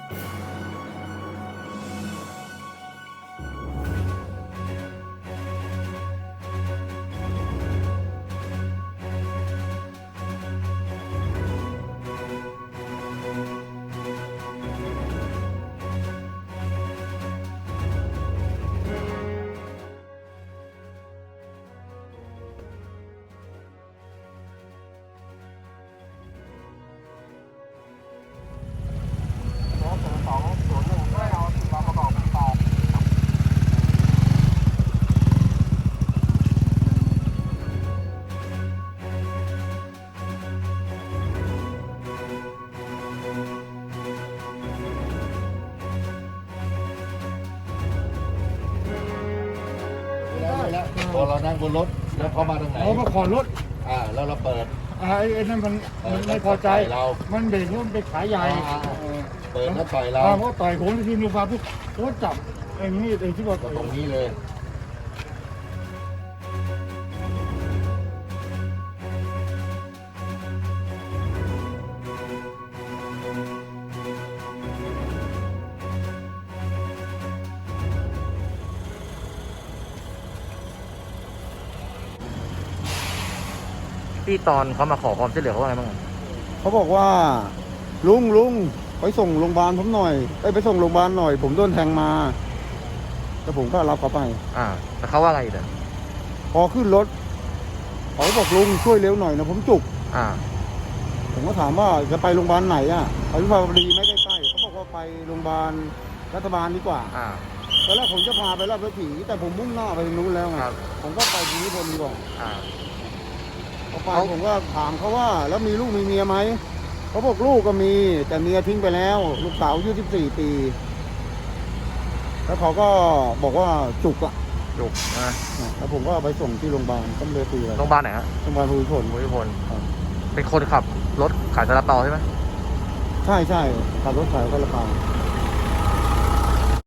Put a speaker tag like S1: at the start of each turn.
S1: พอเรานั่งบนรถแล้วเขามาทางไหน
S2: เขามาขอรถ
S1: แล้วเราเปิด
S2: ไอ้นั่นมันไม่พอใจ
S1: เรา
S2: มันเบรกรถไปขายใหญ่
S1: เปิดแล้วต่อยเรา
S2: เขาต่อยผมที่นูฟาปุ๊บโค้จับไอ้นี่ไอ้ที่ว่า
S1: ตรงนี้เลย
S3: ที่ตอนเขามาขอความช่วยเหลือเขาว่าไงบ้าง
S4: เขาบอกว่าลุงไปส่งโรงพยาบาลผมหน่อยไปส่งโรงพยาบาลหน่อย ผมโดนแทงมาแต่ผมก็รับเขาไป
S3: แต่เขาว่าไงเด้อ
S4: พอขึ้นรถเขาบอกลุงช่วยเร็วหน่อยนะผมจุก ผมก็ถามว่าจะไปโรงพยาบาลไหนไปวิภาวดีไม่ใกล้ๆเขาบอกว่าไปโรงพยาบาลรัฐบาลดีกว่าตอนแรกผมจะพาไปราชผีแต่ผมมุ่งหน้าไปทางนู้นแล้วไงผมก็ไปที่นิพนธ์ดีกว่าพอไปผมก็ถามเขาว่าแล้วมีลูกมีเมียไหมเขาบอกลูกก็มีแต่เมียทิ้งไปแล้วลูกสาวอายุ14 ปีแล้วเขาก็บอกว่าจุก
S3: นะ
S4: แล้วผมก็ไปส่งที่โรงพยาบาลก็เลยคุยอะไร
S3: โรงพยาบาลไหนฮะ
S4: โรงพยาบาลภูมิพล
S3: ภูมิพลเป็นคนขับรถขายซาลาเปาใช่ไหม
S4: ใช่ขับรถขายกระเป๋า